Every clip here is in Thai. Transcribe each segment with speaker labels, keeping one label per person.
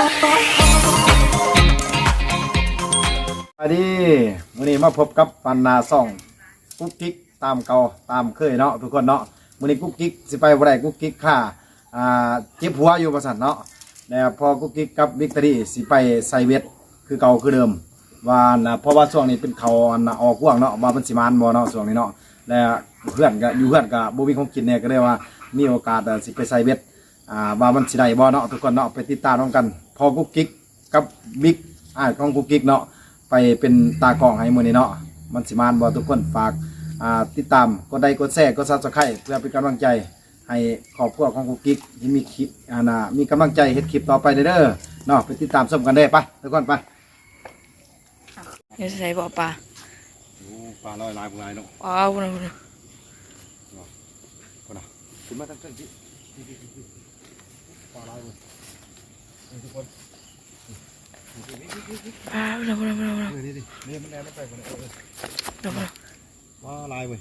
Speaker 1: อันนี้มื้อนี้มาพบกับปันนาซ่องกุ๊กกิ๊กตามเก่าตามเคยเนาะทุกคนเนาะมื้อนี้กุ๊กกิ๊กสิไปบ่ได้กุ๊กกิ๊กค่าเจ็บหัวอยู่ประสาทเนาะแล้วพอกุ๊กกิ๊กกับวิกตอรี่สิไปใส่เวทคือเก่าคือเดิมว่าเพราะว่าช่วงนี้เป็นเขาออกห่วงเนาะว่ามันสิมานบ่เนาะช่วงนี้เนาะแล้วเพื่อนก็อยู่เพื่อนก็บ่มีของกินเนี่ยก็เลยว่ามีโอกาสสิไปใส่เวทว่ามันสิได้บ่เนาะทุกคนเนาะไปติดตามกันพอกุ๊กกิ๊กกับบิ๊กของกุ๊กกิ๊กเนาะไปเป็นตากล้องให้มื้อนี้เนาะมันสิมานบ่ทุกคนฝากติดตามกดไลค์กดแชร์กด Subscribe เพื่อเป็นกำลังใจให้ครอบครัวของกุ๊กกิ๊กที่มีคลิปมีกำลังใจเฮ็ดคลิปต่อไปเด้อเนาะไปติดตามชมกันได้ไปทุกคนไป
Speaker 2: นี่ใส่บ่อปลา
Speaker 1: ปลาลอยลายพวกนายเนาะ
Speaker 2: ว้าวพุ่น
Speaker 1: พุ่นน่ะขึ้นมาตั้งแต่ที่ปลาลายเว้ยทุกคน
Speaker 2: ปลาพุ่นนี่
Speaker 1: มันแล่นไปพุ่นปลาลายเว้ย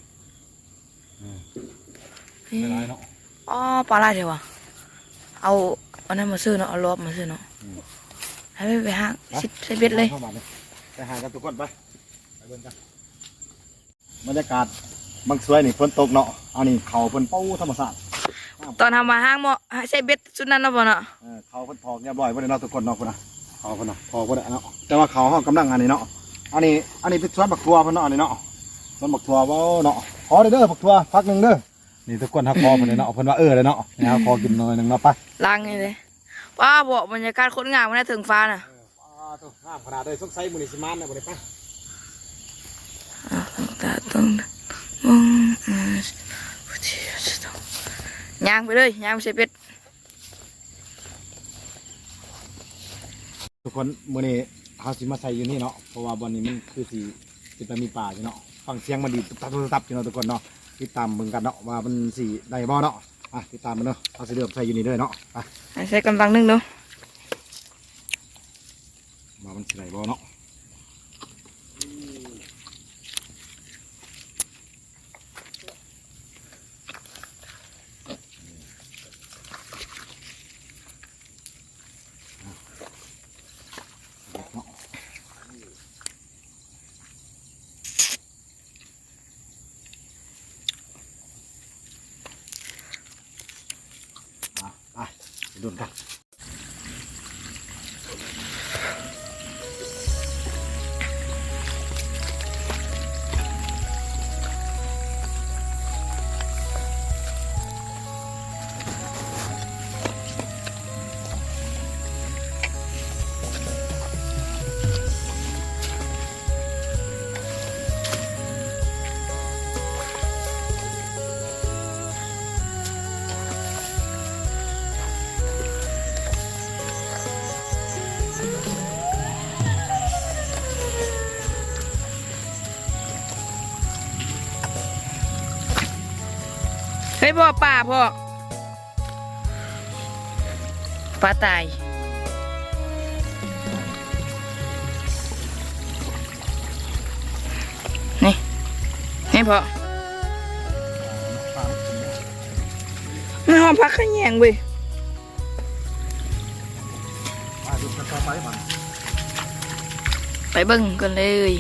Speaker 1: ลายเนาะ
Speaker 2: อ๋อปลาลายเดี๋ยววะเอาอันนั้นมาซื้อเนาะเอาลอบมาซื้อเนาะให้ไปห้างใส่เบ็ดเลย
Speaker 1: ไปหากันทุกคนไปเบิ่งกันบรรยากาศบางสวยนี่ฝนตกเนาะเอานี่เขาเพิ่นเป้าธรรมชาติ
Speaker 2: ตอนทำมาห้างหมอใส่เบ็ดสุดนั้นเนาะบ่เนาะ
Speaker 1: เขาเพิ่นถอกเรียบร้อยบ่ได้เนาะทุกคนเนาะพุ่นน่ะเขาเพิ่นน่ะถอกบ่ได้เนาะแต่ว่าเขากำลังอันนี้เนาะอันนี้เป็นสวนบักทัวเพิ่นเนาะอันนี้เนาะสวนบักทัวบ่เนาะขอเด้อบักทัวพักนึงเด้อนี่ทุกคนฮักคอเพิ่นเนาะเพิ่นว่าเลยเนาะนี่ฮักคอกินหน่อยนึงเนาะไป
Speaker 2: ล้างนี่เลยว้าบ่บรรยากาศโคตรงามมันถึงฟ้าน่ะ
Speaker 1: งามขนาดเลยสงสัยมื้อนี้สิมานน่ะบ่ได้ไป
Speaker 2: ย่างไปเลยย่างใส่เป็ด
Speaker 1: ทุกคนมื้อนี้เฮาสิมาใส่อยู่นี่เนาะเพราะว่าบ่อนนี้มันคือสิไปมีป่าอยู่เนาะฟังเสียงมันดีตับอยู่เนาะทุกคนเนาะติดตามเบิ่งกันเนาะว่ามันสิได้บ่เนาะติดตามมันเนาะเฮาสิเริ่มใส่อยู่นี่เด้อเนาะไป
Speaker 2: ใส่กำลังนึงเนาะ
Speaker 1: ว่ามันสิได้บ่เนาะไปดูกัน
Speaker 2: เฮ้ยพ่อปลาพ่อปลาตายนี่พ่อไม่หอมพักขยงเว้ยไปเบิ่งกันเลย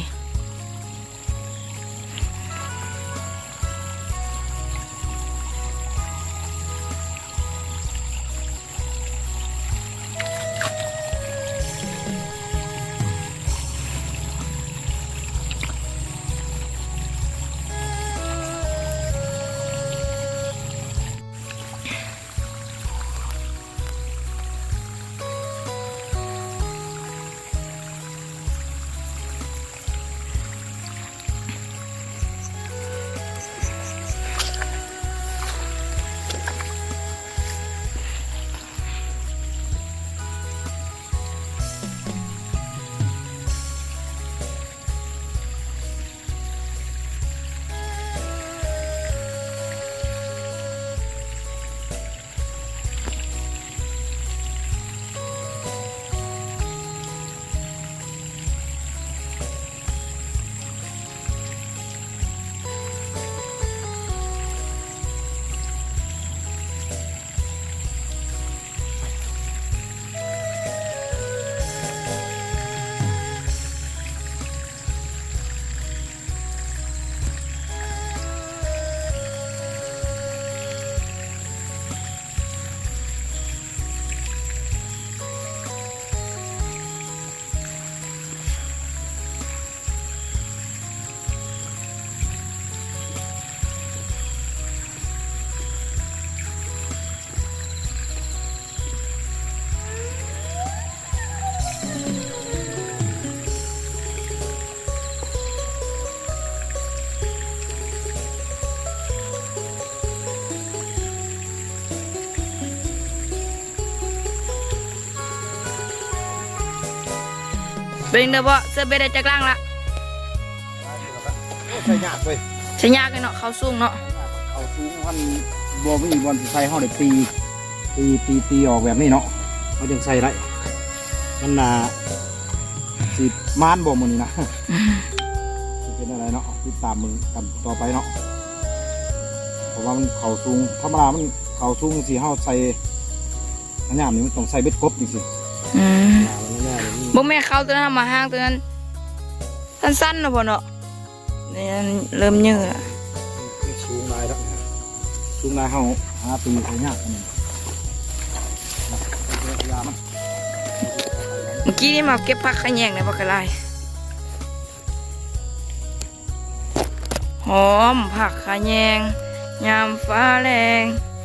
Speaker 2: เป็นเด้อบ่เสื้อเบ็ดได้จักล่างละ
Speaker 1: ใช่ยากเว้ย
Speaker 2: ใช้ยากเลยเนาะเขาสูงเนาะ
Speaker 1: เอาสูงมันบ่มีบอลสิใส่เฮาได้ตีออกแบบนี้เนาะเขาจึงใส่ได้มันน่ะสิมานบ่มื้อนี้นะสิเป็นอะไรเนาะติดตามมึงกันต่อไปเนาะเพราะว่ามันเข่าสูงธรรมดามันเข่าสูงสิเฮาใส่อันยามนี้มันต้องใส่เบ็ดกบจริงๆ
Speaker 2: บ่แม่เข้าตัวนั้นมาห้างตัวนั้นสั้นๆเนาะพ่อเนาะนี่เริ่มเยอะละ
Speaker 1: สูงลายแล้วสูงลายเฮาหาตีเขายากอันนี้ยามัน
Speaker 2: เมื่อกี้นี่มาเก็บผักขะแยงในบักกะลายหอมผักขะแยงยามฟ้าแรง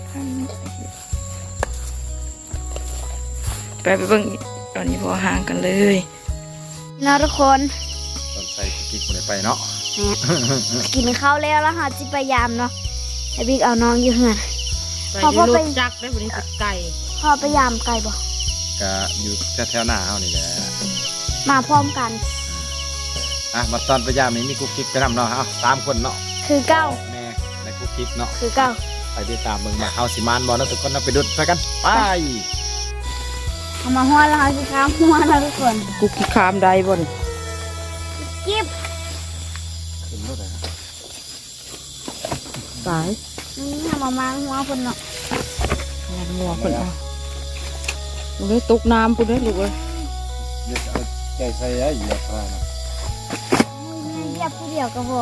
Speaker 2: ไปเบิ่งตอนนี้พอห่างกันเลยนะทุกคน
Speaker 1: ตอนใส่กิ๊กคนไปเนาะ
Speaker 3: กินข้าวแล้วแล้วค่ะจิพยายามเนาะไอ้บิ๊กเอาน้องอยู่เหือน
Speaker 2: ไปที่รถจักรได้บริสุทธิ์ไก่
Speaker 3: พ่อพยายามไกลบ่
Speaker 1: ก็อยู่แถวๆหน้าเฮานี่แหละ
Speaker 3: มาพร้อมกัน
Speaker 1: มาตอนพยายามนี้มีกุ๊กกิ๊กไปนำเนาะ3 คนเนาะ
Speaker 3: คือเก้า
Speaker 1: แม่ในกุ๊กกิ๊กเนาะ
Speaker 3: คือเก้า
Speaker 1: ไปติดตามมึงมาเฮาสิมานบ่เนาะทุกคนเนาะไปดุดไปกันไป
Speaker 3: เอามาหัวแล้วค่ะสิครับหัวนะทุกคน
Speaker 2: กุกขี้ขามได้บ่น
Speaker 3: กิ๊บ
Speaker 1: ขึ้นรถเลยนะ
Speaker 2: สาย
Speaker 3: นี่เอามาหัวคนเนาะ
Speaker 2: งานงัวคนเอาลูกเลยตกน้ำปุ่นเลยลูกเลย
Speaker 1: เดี๋ยวจะเอาใจใส่เหยียบพานะ
Speaker 3: เหยียบผู้เดียวก็พอ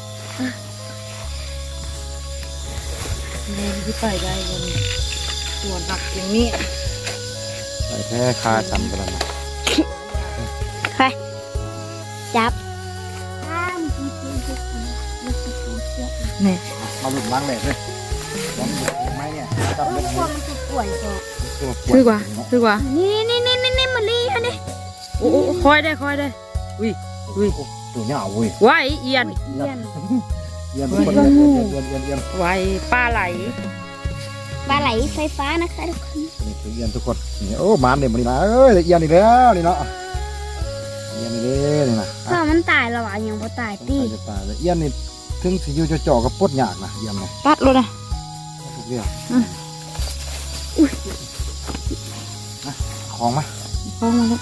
Speaker 2: แม่ที่ไปได้บนส่วนหนักอย่างนี้
Speaker 1: ใส่แค่คาจำกันแล้วนะ
Speaker 3: ไปจับข้ามกิ๊บกิ๊บกิ๊บ
Speaker 2: นี่
Speaker 1: มาหลุดล้างแหลกเลยล้างแหลกไหมเนี่ยจับ
Speaker 3: ลู
Speaker 1: เล็
Speaker 3: ก
Speaker 1: ก
Speaker 3: ควมันจะป่วยก่อน
Speaker 2: ถือกว่าถือกว่า
Speaker 3: นี่มาลีอันนี้
Speaker 2: โอ้คอยได้อุ้ย
Speaker 1: ตัวเนี้ยเอาเว้ย
Speaker 2: ไว้เอียน
Speaker 3: เยี่ยน
Speaker 1: เอียนทุกคนเอียน
Speaker 2: ไว้ปลาไหล
Speaker 3: ปลาไหลไฟฟ้านะคะทุกคน
Speaker 1: นี่คือเอียนทุกคนนี่โอ้มานเนี่ยมันนี่นะเอ้ยเอียนอีกแล้วนี่เนาะเอียนอีกแล้วนี่นะ
Speaker 3: พ่อมันตายแล้วอ่ะยังบ่ตายตี
Speaker 1: จะตายเลยเอียนนี่ถึงสิอยู่จ่อๆกับปดยากนะเอียนเนี่ย
Speaker 2: ตัดเลยนะ
Speaker 1: ทุกเรื่อง
Speaker 2: อุ้ย
Speaker 1: ของมา
Speaker 2: พอมาแล้ว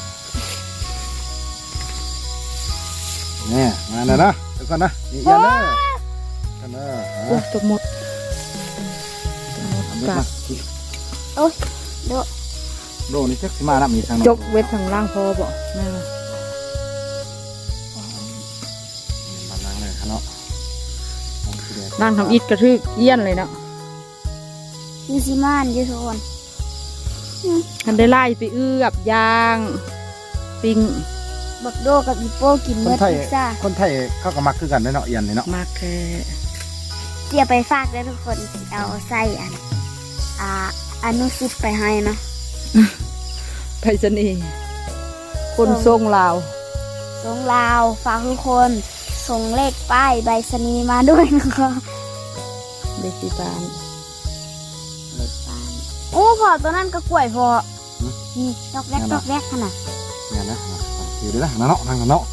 Speaker 1: เนี่ยมาแล้วนะทุกคนนะนี่เอียนเด้อกันเด้อ
Speaker 2: โอ้ตัวหมด
Speaker 1: ทำด้วยนะ
Speaker 3: โอ้ยโด
Speaker 1: โดนี่จักสิมานับมีทาง
Speaker 2: จกเวททางล่างพอบ่แม่ว่า
Speaker 1: มาล้างเลยครับเนาะ
Speaker 2: ล่างทำอิฐกระทึกเอี้ยนเลยเนาะ
Speaker 3: มีซิมานอยู่ทุกคน
Speaker 2: ทันได้ไล่ไปเอื้อบยางปิ้ง
Speaker 3: บักโดกับอีโป้กิน
Speaker 1: ค
Speaker 3: เมื่
Speaker 1: น
Speaker 3: อ
Speaker 1: ไทย
Speaker 3: พิซซ่า
Speaker 1: คนไทยเขาก็มักคือกันเนาะเอียนนี่เนาะ
Speaker 2: มากแค่
Speaker 3: เจียไปฝากได้ทุกคนเอาไส้อนุสิตไปให้เนาะ
Speaker 2: ไปสนีย์คนทรงลาว
Speaker 3: ส่งลาวฝากทุกคนส่งเลขป้ายใบสนีย์มาด้วยนะคะ
Speaker 2: เด็กที่บ้าน
Speaker 3: โอ้พอตัวนั้นก็กล้วยพอนี่ดอกแรกดอกแรกขนาด
Speaker 1: เนี่ยนะอยู่ดีนะเนาะทางเนาะ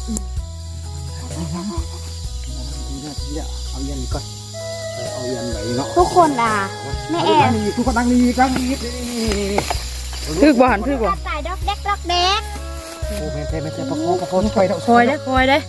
Speaker 1: เอาเอียนก่อนเอาเอียนไหนเนาะ
Speaker 3: ทุกคนแม่แอน
Speaker 1: ทุกคนนั่งนี่นั่งนี่
Speaker 2: ทึกบ่หันทึกบ่
Speaker 3: ตายดอกแรกดอกแรก
Speaker 1: โอ้แม่เทประคองไป
Speaker 2: คอยได้คอยได้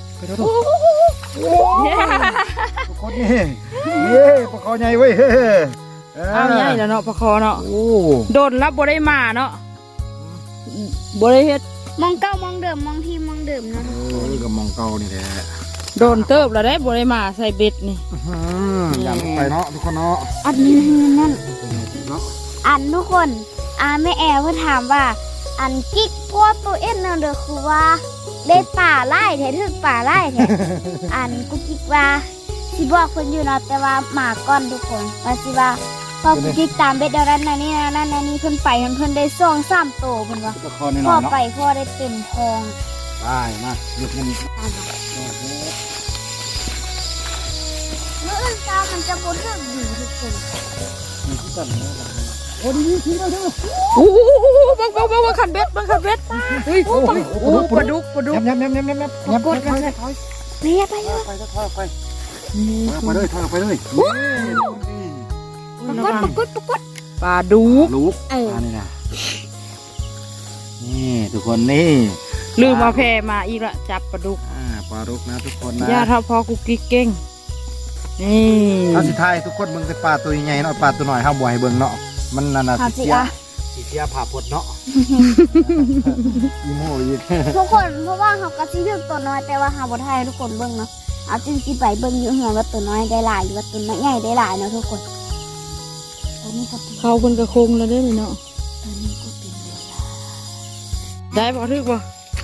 Speaker 1: ทุกคนนี่ประคองใหญ่เว้ย
Speaker 2: เอาใหญ่แล้วเนาะปลาคอเนาะ
Speaker 1: โอ้
Speaker 2: โดนรับบ่ได้มาเนาะบ่ได้เฮ็ด
Speaker 3: มองเก้ามองเดิมมองที่มองเดิมนะ
Speaker 1: นี่ก็มองเก่านี่แหละ
Speaker 2: โดนเติบแล้วได้บ่ได้มาใส่เบ็ดนี่
Speaker 1: อย่าไปเนาะทุกคนเนาะ
Speaker 3: อันนี้นั่น
Speaker 1: เนาะ
Speaker 3: อันทุกคนแม่แอร์เพื่อถามว่า อันกิ๊กพวกตัวเอ็นนั่นเด้อคือว่าได้ป่าไล่แท้ถึกป่าไล่แท้ อันกูกิ๊กว่าสิบอกเพิ่นอยู่เนาะแต่ว่าหมาก้อนทุกคนว่าสิว่าพอกูกิ๊กตามเบ็ดเดานั้นน่ะนี่นั่นนี่เพิ่นไปเพิ่นได้2-3โตเพิ่นว่า
Speaker 1: ประคองนี่
Speaker 3: พอ
Speaker 1: เนาะ
Speaker 3: ไปพอได้เต็มทอง
Speaker 1: ได้มาหยุดมัน
Speaker 3: มื้ออื่นตามันจะบ่ถึกดีทุกคน
Speaker 1: มันก็กันอ้ดีทิ้งแล้วเด้อ
Speaker 2: โอ้บังคันเบ็ดเฮ้ยโอ้ปลาดุก
Speaker 1: ยับกดกันเลย
Speaker 3: เนี่ยไปเลย
Speaker 1: ไปไปเลยถอยไปเลย
Speaker 3: ปรากฏ
Speaker 2: ปลาดุก
Speaker 1: ลูกนี่นะนี่ทุกคนนี่
Speaker 2: ลืมมาแพมาอีกละจับปลาดุก
Speaker 1: ปลาดุกนะทุกคนนะ
Speaker 2: ย่าถ้าพอกุกกิ๊กเก่งนี่
Speaker 1: ถ้าสุดท้ายทุกคนเบิ่งแต่ปลาตัวใหญ่เนาะปลาตัวน้อยห้ามบ่ให้เบิ่งเนาะมันนั่นน่ะสีเสียผ่าพดเนาะอีโม่อีก
Speaker 3: ทุกคนเพราะว่าเขากระซิบตัวน้อยแต่ว่าเขาบ่ทายทุกคนเบิ่งเนาะเอาจริงสิไปเบิ่งอยู่เหือนว่าตัวน้อยได้หลายหรือว่าตัวน้อยใหญ่ได้หลายเนาะทุกคนตัวนี้ก็เป็น
Speaker 2: เขาเป็นกระคงแล้วเด้อเนาะ
Speaker 3: ตัวนี้ก็เป็นเวลา
Speaker 2: ได้บ่ทึกบ่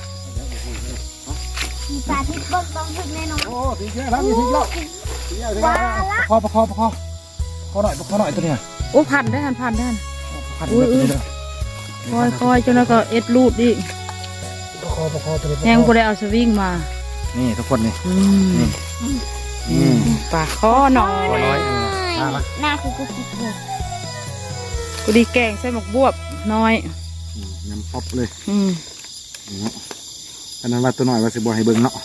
Speaker 3: มีปลาที่เบิ่งต้องถึงแน่นอน
Speaker 1: โอ้ตีเยอะแล้วมีทิ้งแล้วประคอหน่อยตัวเนี้ย
Speaker 2: โอ้พันได้พันพัน คอยจนแล้วก็เอ็ดรูดดิ
Speaker 1: ประคอตัวนี้
Speaker 2: แหงบ่ได้เอาสวิงมา
Speaker 1: นี่ทุกคนนี่
Speaker 2: ปลาข้อหน่อย
Speaker 3: หน้าคือกุ๊กกิ๊กเลย
Speaker 2: กูดีแกงใส่หมกบวบน้อย
Speaker 1: น้ำป๊อปเลย อันนั้นว่าตัวน้อยว่าสิบ่ให้เบิ่งเนาะ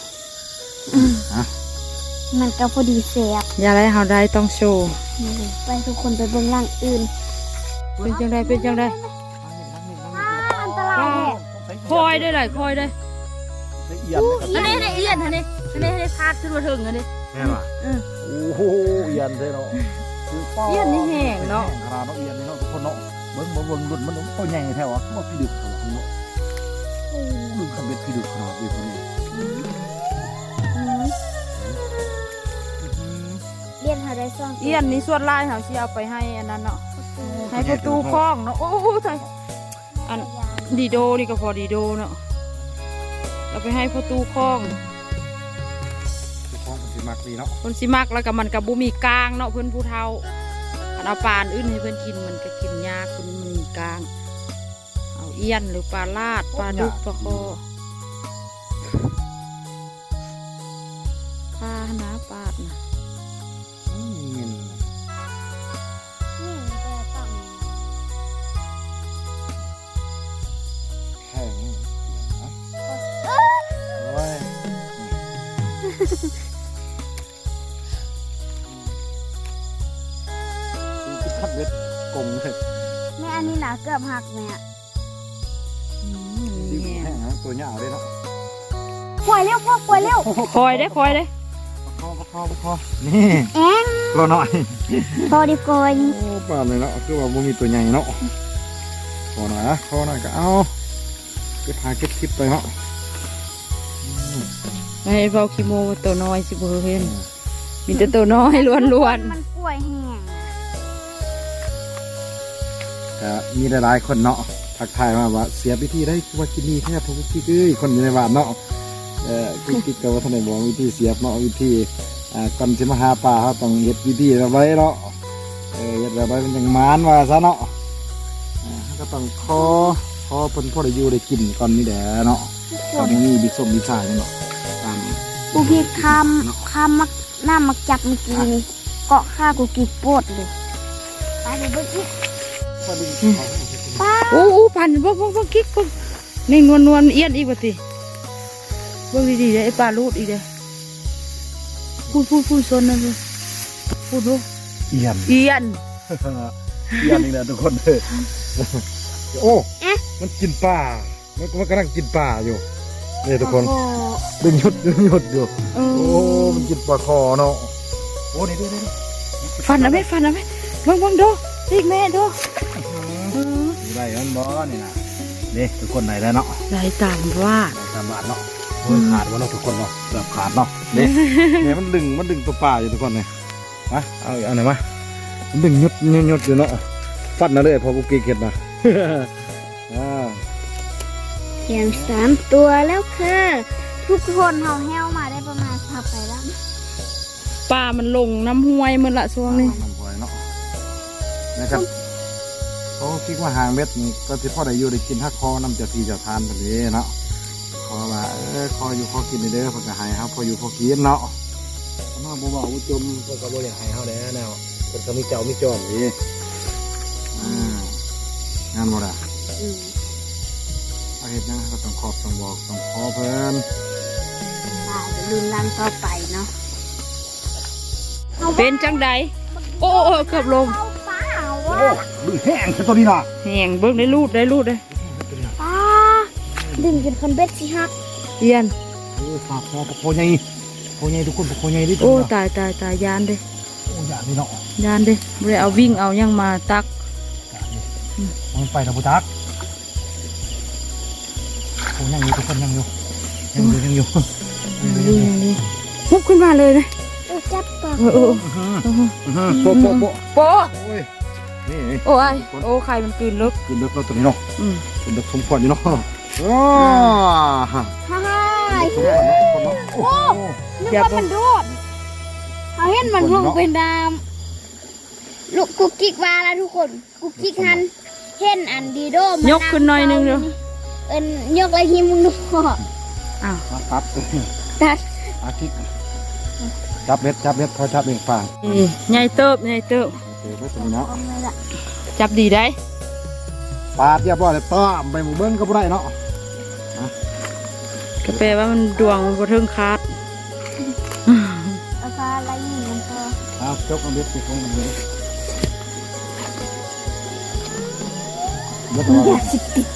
Speaker 3: มันก็พอดีแซ่บ
Speaker 2: อย่าไรเฮาได้ต้องโชว์
Speaker 3: ไปทุกคนไปเบิ่งร่างอื่น
Speaker 2: เป็นจังได
Speaker 3: อันตรายแท้
Speaker 2: คอยได้หลายคอยได้
Speaker 1: ละเอียดเลย
Speaker 2: อันนี้เอียนอันนี้พาดขึ้นมาถึงอันนี้
Speaker 1: แม่ป่ะโอ้โหเอียนเลยเนาะ
Speaker 2: เอียนนี่แห้งเนาะ
Speaker 1: ขนาดเนาะเอียนนี่เนาะทุกคนเนาะเบิ่งรุ่นมันตัวใหญ่แท้วะว่าพี่ดึกขนาดเนาะดึกคำเบ็ดพี่ดึกขนาดนี้คนนี้
Speaker 3: เรียนหาได้ซ่อง
Speaker 2: เอียนนี่ส่วนลายเฮาสิเอาไปให้อันนั้นเนาะให้ประตูคล้องเนาะโอ้ใช่อันดีโดนี่ก็พอดีโดเนาะเอาไปให้ประตูคล้อง
Speaker 1: ทุกคนเป็นสิมักดีเนาะ
Speaker 2: คนสิมักแล้วก็มันกับบุมีกลางเนาะเพื่อนผู้เฒ่าอันเอาปลาอื่นให้เพื่อนกินมันก็กินยากคนมันมีกลางเอาเอียนหรือปลาลาดปลาดุกปลาคอปลาหนาปาดนะ
Speaker 1: เงิน
Speaker 3: นี่มันจะต้อง
Speaker 1: แข็งโอ้ยคิดขับเบ็ดกงเลย
Speaker 3: แม่อันนี้หนาเกือบหักแม่
Speaker 1: ดี
Speaker 2: เนี่ย
Speaker 1: แห้งนะตัวเหยาวเลยเนาะ
Speaker 3: ปล่อยเร็วพ่อปล่อยเร็ว
Speaker 2: คอยได้คอยได้
Speaker 1: ประคอนี่
Speaker 3: เอ็ง
Speaker 1: ตัวหน่อย
Speaker 3: พอดีกอย
Speaker 1: โอ้ปลาเลยเนาะคือว่าบ่มีตัวใหญ่เนาะขอหน่อยนะขอหน่อยก็เอาไปพาเก็บคลิปไปเนาะ
Speaker 2: ไม่ให้เฝ้าขี้โมตัวน้อยสิบ่เห็นมีแต่ตัวน้อยล้วน
Speaker 3: มันกล้วยแห้ง
Speaker 1: แต่มีหลายๆคนเนาะทักทายมาว่าเสียพิธีได้คือว่ากินนี่แทบทุกที่เลยคนอยู่ในบ้านเนาะกิ๊กก็ว่าท่านได้บอกวิธีเสียบเนาะวิธีก่อนสิมาหาปลาเขาต้องเฮ็ดวิธีเอาไว้เนาะเฮ็ดแบบไว้เป็นอย่างมานว่าซะเนาะก็ต้องคอเพิ่นพอได้อยู่ได้กินก่อนนี่แหละเนาะก็บ่มีบิ๊กส้มบิ๊กซ่าเนาะตาม
Speaker 3: กูพี่คำมักหน้ามักจับเมื่อกี้นี่เกาะข้ากูกินปวดเลยไปเดี๋ยวเบิ่งอีกป้า
Speaker 2: ๆโอ้พันบ่กิ๊กนี่นวลเอียนอีกบ่ติเบิ่งดีๆเด้ไอ้ปลาลูดอีกเด้พูดซนนะพูดดู
Speaker 1: เอียน
Speaker 2: เอียน
Speaker 1: เอียนนี่แหละทุกคนเลยโอ้มันกินปลามันกำลังกินปลาอยู่นี่ทุกคน
Speaker 3: โอ้
Speaker 1: ดึงหยุดอยู่
Speaker 2: เอ
Speaker 1: โอ้ มันกินปลาคอเนาะ โอ้นี่ดู
Speaker 2: ฟันนะแม่บังดูอีกแม่ดู
Speaker 1: ได้กันบ่นี่นะนี่ทุกคนไหนแล้วเนาะ
Speaker 2: ได้ตามว่า
Speaker 1: ได้ตามบาทเนาะโอ้ยขาดวะเนาะทุกคนเนาะเกือบขาดเนาะนี่มันดึงตัวปลาอยู่ทุกคนเลยมาเอาไหนมามันดึงหยุดอยู่เนาะฟัดนะเลยพอกูกีเก็ดนะ
Speaker 3: เพียง3 ตัวแล้วค่ะทุกคนเฮาแห้วมาได้ประมาณทับไปแล้ว
Speaker 2: ปลามันลงน้ำห้วยมันละช่วงนี้
Speaker 1: น้ำหอยเนาะนะครับเขาคิดว่าหางเม็ดนี่ก็ที่พ่อได้อยู่ได้กินถ้าคอน้ำจะทีจะทานแบบนี้เนาะคอว่าคออยู่คอกินเด้อเพื่อจะให้ครับพออยู่พอกินเนาะมาบ่บอกว่าจมเพื่อก็บ่อยากให้เขาแล้วแนวเพื่อก็มีเจ้ามีจอมนี่งานบ่ได้
Speaker 3: อืม
Speaker 1: เอาเฮ็ดยังก็ต้องขอบต้องบอกต้องขอเพิ่น
Speaker 3: ว่าจะลุนลันต่อไปเนาะ
Speaker 2: เป็นจังใดโอ้เกือบลม
Speaker 3: เอาเปล่า
Speaker 1: โอ้
Speaker 3: วะ
Speaker 1: ดึงแห้งคือตัวนี้น่ะ
Speaker 2: แหงเบิ่งได้รูดได้
Speaker 3: ป้าดึงจนคนเบ็ดสิฮัก
Speaker 2: เอียน
Speaker 1: โอ้ฝากคอปะโคใหญ่โคใหญ่ทุกคนปะโคใหญ่ดิ
Speaker 2: โอ้ตายยานเด้
Speaker 1: โอ้ยากนี่เนาะ
Speaker 2: ยานเด้บ่ได้เอาวิ่งเอายังมาตัก
Speaker 1: มันไปทางพุทักโอ้ยังอยู่ทุกคนยังอยู่
Speaker 2: มุกขึ้นมาเลยนะ
Speaker 3: จับปาก
Speaker 2: โอ้
Speaker 1: โป๊ะโป๊ะโป๊ะ
Speaker 2: โปะ
Speaker 1: โอ้ยนี่
Speaker 2: โอ้ยโอ้ไข่มันกลืนลึก
Speaker 1: กินเด็กเราตัวนี้เนาะ
Speaker 2: อืม
Speaker 1: กินเด็กสมควรอยู่เนาะโอ้ฮะ
Speaker 3: ฮ่าฮ่า
Speaker 1: สมควรเนาะคนเนาะโอ้
Speaker 3: นึกว่ามันโดดเอาเห็นมันลงเป็นดามลูกกุ๊กกิ๊กว่าแล้วทุกคนกุ๊กกิ๊กหันเห็นอันดีโดมัน
Speaker 2: ยกขึ้นหน่อยนึงเด้อ
Speaker 3: ยกอะไรที่มึงดู
Speaker 2: อ้าว
Speaker 1: มาตัด
Speaker 3: ตัด
Speaker 1: อาทิตย์จับเบ็ดเขาจับเองฟาง
Speaker 2: นี่ใหญ่เติบ
Speaker 1: เตะเบ็ดตัวนี้เนาะ
Speaker 3: เอาเลยล่ะ
Speaker 2: จับดีได้
Speaker 1: ปาดเรียบร้อยเลยต้อมไปหมู่เบิ้งก็บ่ได้เนาะ
Speaker 2: ก็แปลว่ามันดวงมันบ่ถึงคาด
Speaker 3: เอาปลาอะไรอยู่มันก็
Speaker 1: เอาจกเอาเบ็ดสิของมันเลยเบ็ดตัว
Speaker 3: อยากสิติด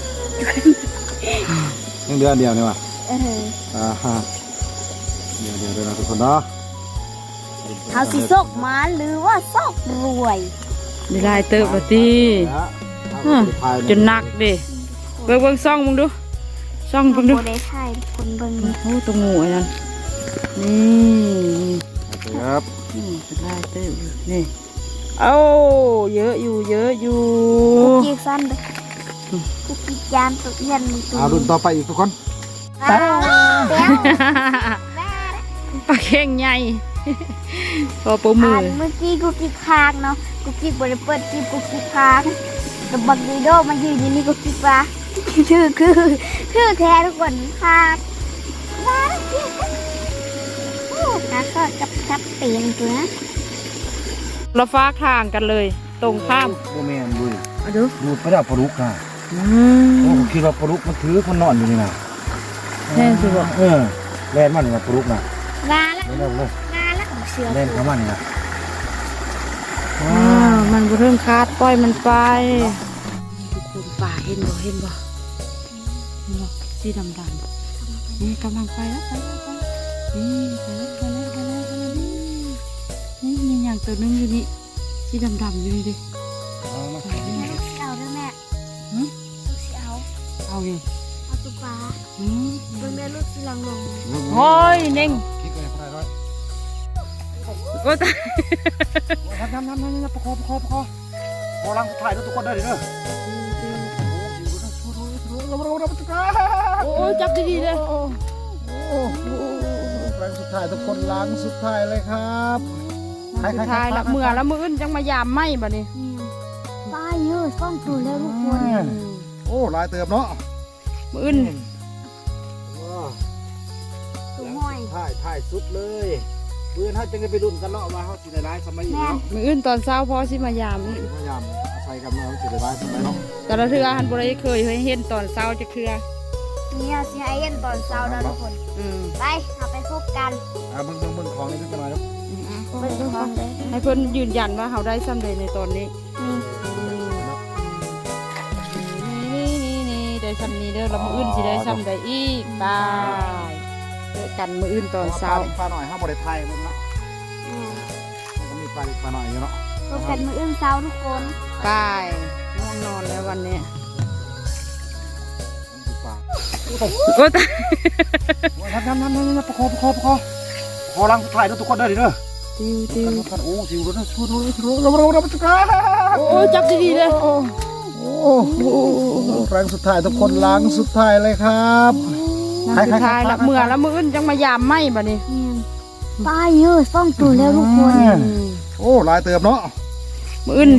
Speaker 1: ยังเดือนเดียวนี่ว่ะ
Speaker 3: เออ
Speaker 1: ฮะเดี๋ยวนะทุกคนเนาะ
Speaker 3: เอาสิซกมาหรือว่าซกรวย
Speaker 2: ได้หลายเติบละติจนหนักเด้เบิ่งซ่องมึงดูซ่องเบิ่งดู
Speaker 3: โบได้ใช่คนเบิ่ง
Speaker 2: โอ้ตัวงูไอ้นั่นนี่
Speaker 1: ครับ
Speaker 2: เป็นหลายเติบอยู่นี่เอ้าเยอะอยู่
Speaker 3: กุกกิ๊กสั้นเลยกุกกิ๊กยานตุกยันตุ
Speaker 1: เอารุ่นต่อไปอีกทุกคน
Speaker 3: แล้ว
Speaker 2: ปลาเข่งใหญ่พอปูมือ
Speaker 3: เมื่อกี้กุกกิ๊กค้างเนาะกุกกิ๊กบริเปิดกิ๊กกุกกิ๊กค้างแต่บักดีโดมายืนอยู่นี่กุกกิ๊กว่าคือแท้ทุกคนค้างว้าวโอ้ขาก็จับเตียงตัวนะ
Speaker 2: เราฟ้าข้างกันเลย ตรงข้าม
Speaker 1: โบแมนดู
Speaker 2: เอาดู
Speaker 1: ดูไปแล้วปลาลุกอ่ะโอ้ผมคิดว่าปลาลุกมันถือคนนอนอยู่นี่นะ
Speaker 2: แน่สิบอก
Speaker 1: แล่นมันนี่ปลาลุกนะ
Speaker 3: งาละ
Speaker 1: เร็วเลย
Speaker 3: งาละของเสือ
Speaker 1: เล่นเขามันนี่นะ
Speaker 2: มันบ่เริ่มคาดปล่อยมันไปทุกคนป่าเห็นบ่เห็นบ่สีดำนี่กำลังไปแล้วนี่ไปแล้วนี่มีอย่างตัวนึงอยู่นี่สีดำอยู่นี่ดิ
Speaker 3: ลูกสิเอาด้วยแม่ลูกสิเอา
Speaker 2: เอาอยู่
Speaker 3: เอาตุ๊กปลาเบิ่งได้ลูกสิลังลง
Speaker 2: โอ้ยเน่ง
Speaker 1: คิดไปพอได้ร้อย
Speaker 2: โอ้ตาย
Speaker 1: ทำประคองพอลังถ่ายทุกคนได้ดิเด้อ
Speaker 2: โอ้จับดีๆเลย
Speaker 1: แรงสุดท้ายทุกคนล้างสุดท้ายเลยครับ
Speaker 2: สุดท้ายละเมื่อละมืออื่นจังมายามไหมบ่นี่
Speaker 3: ปลาเยอะซ่องตัวแล้วทุกคน
Speaker 1: โอ้ลายเติบเนาะ
Speaker 2: มืออื่น
Speaker 3: ตัวห้อย
Speaker 1: ถ่ายสุดเลยเพื่อนเขาจะไปดุนกันเนาะว่าเขาสิได้ร้ายสมัยอีกเนาะ
Speaker 2: มืออื่นตอนเช้าพอสิมายามนี่
Speaker 1: พยายามอาศัยกันมาเขาสิได้ร้ายสมัยเนาะ
Speaker 2: แต่ละเทือหันบ่ได้เคยเห็นตอนเช้าจะเทือ
Speaker 3: เนี่ยสิให้เย็นตอนเช้านะทุกคน ไปเอาไปพบกัน
Speaker 1: เบิ่งของนี่ขึ้นมาแล้ว
Speaker 3: เบิ่งของเลย
Speaker 2: ให้เพิ่นยืนยันว่าเขาได้ซ้ำใดในตอนนี้ นี่ได้ซ้ำนี้เด้อแล้วมืออื่นสิได้ซ้ำใดอีกบายเจอกันมืออื่นตอนเช้า
Speaker 1: ปลาหน่อยห้ามบริไทยมึงเนาะมันก็มีปลาหน่อยอยู่เนาะ
Speaker 3: พบกันมื้ออื่นเช้าทุกคน
Speaker 2: บายง่วงนอนแล้ววันนี้
Speaker 1: ปลา
Speaker 2: โอ้ตาย
Speaker 1: ทำประคองพอลังถ่ายทุกคนได้ดิเด้อ
Speaker 2: ติว
Speaker 1: โอ้สิวรถชูเราจุกา
Speaker 2: โอ้จับดีๆเลย
Speaker 1: โอ้แรงสุดท้ายทุกคนล้างสุดท้ายเลยครับ
Speaker 2: สุดท้ายละเมื่อละมืออื่นจังมายามไหมบ่นี่
Speaker 3: ปลาเยอะซ่องตัวแล้วทุกคน
Speaker 1: โอ้ลายเติบเนาะ
Speaker 2: มืออื่น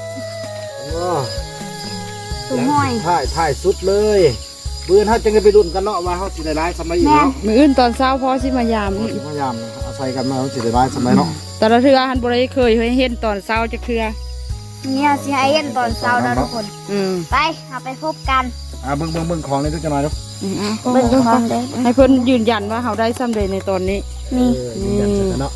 Speaker 3: ตัวห้อย
Speaker 1: ถ่ายสุดเลยเพื่อนเขาจะไปดุนกันเนาะว่าเขาสิได้ร้ายสมัยอีกเนาะ
Speaker 2: มืออื่นตอนเช้าพอสิมายามนี่
Speaker 1: พยายามอาศัยกันมาเขาสิได้ร้ายสมัยเนาะ
Speaker 2: แต่ละเทือหันบ่ได้เคยเห็นตอนเช้าจะเทือ
Speaker 3: เนี่ยสิให้เห็นตอนเช้าแล้วทุกคน ไปเอาไปพบกัน
Speaker 1: เบิ่งของเลยทุกจังหน่อยเนาะ
Speaker 3: เบิ่งดูกันเด้อ
Speaker 2: ให้เพิ่นยืนยันว่าเขาได้ซ้ำใดในตอนนี้
Speaker 3: นี่
Speaker 1: ยืนยันเสร็จแล้วเนาะ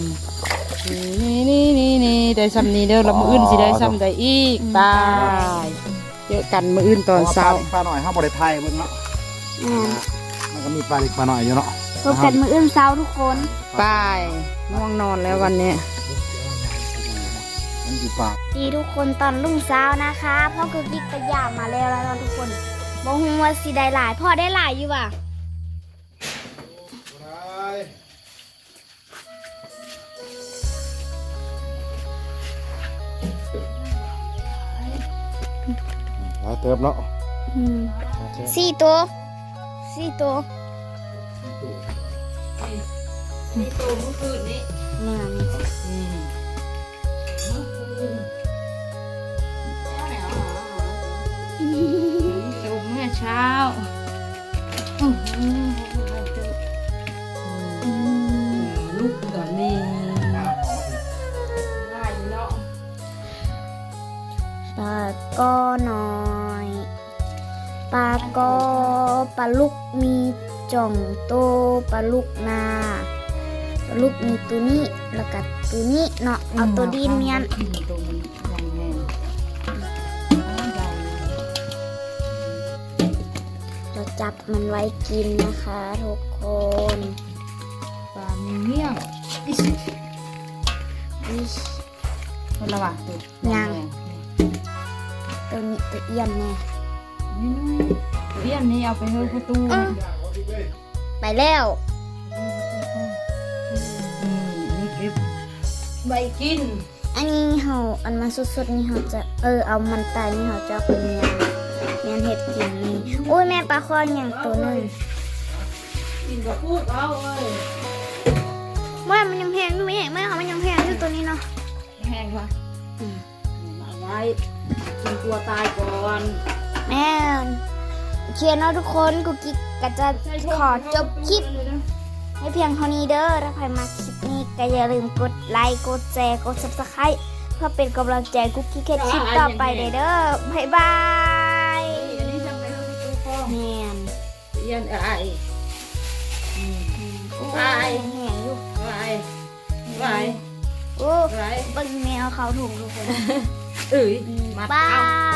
Speaker 2: นี่ได้ซ้ำนี้เด้อแล้วมื้ออื่นสิได้ซ้ำใดอีกตายเจอกันมื้ออื่นตอนเช้า
Speaker 1: ปลาหน่อยเฮาบ่ได้ไทยเบิ่งเนาะ มันก็มีปลาเล็กปลาหน่อยอยู่เนาะ
Speaker 3: พบกันมื้ออื่นเช้าทุกคน
Speaker 2: ไปง่วงนอนแล้ววันนี้
Speaker 1: มันอยู่ปลา
Speaker 3: ดีทุกคนตอนรุ่งเช้านะคะพ่อคือกิ๊กกระยามาแล้วแล้วทุกคนบ่ฮู้ว่าสิได้หลายพ่อได้หลายอยู่ว่ะ
Speaker 1: หลายเติบเนาะ
Speaker 3: 4 ตัว4 ตัว
Speaker 2: มีตัวเมื่อคืนนี้
Speaker 3: แนวนี้
Speaker 2: ตัวเมื่อเช้าลูกตอนนี้ได้อยู่เนาะ
Speaker 3: ปลาก็น้อยปลาก็ปลาลูกมีจ่องโตปลาลูกนาปลาลูกมีตัวนี้แล้วก็ตัวนี้เนาะเอาตัวดินเมียน
Speaker 2: ตัวมันใหญ่แน่ใหญ่
Speaker 3: เราจับมันไว้กินนะคะทุกคน
Speaker 2: ปลาเมี่ยง
Speaker 3: อิ๊ย
Speaker 2: คนละว่ะตัว
Speaker 3: ยัง ตัวนี้ตัวเอี้ยนแน่
Speaker 2: นี่เรียนนี่เอาไปเฮ้ยประตู
Speaker 3: ไปแล้ว
Speaker 2: นี่เก็บใบกิน
Speaker 3: อันนี้เขาอันมาสดๆนี่เขาจะเอามันตายนี่เขาจะเอาเป็นเมียนเห็ดกินนี่โอ้ยแม่ปลาคออย่างตัวหนึง
Speaker 2: กินกับพูดเอาเอ้ย
Speaker 3: ว่ามันยังแพงอยู่ไหมแม่เขามันยังแพงอยู่ตัวนี้เนาะ
Speaker 2: แห้งว่ะเอาไว้กินกลัวตายก่อน
Speaker 3: แม่นโอเคเนาะทุกคนกูกิ๊กก็จะขอจบคลิปให้เพียงเท่านี้เด้อถ้าใครมาคลิปนี้ก็อย่าลืมกดไลค์กดแชร์กด Subscribe เพื่อเป็นกำลังใจกุ๊กกิ๊กให้คลิปต่อไปเด้อบ๊ายบาย
Speaker 2: อันนี้ทำไปเฮ้ยประตูพ่อ
Speaker 3: แม่น
Speaker 2: เรียนอะไร
Speaker 3: โอ้
Speaker 2: ไป
Speaker 3: ยแห้งอยู่
Speaker 2: ไป
Speaker 3: โอ้
Speaker 2: ไป
Speaker 3: เบิ่งแมวเขาถูกทุกคน
Speaker 2: เอ้ย
Speaker 3: บาย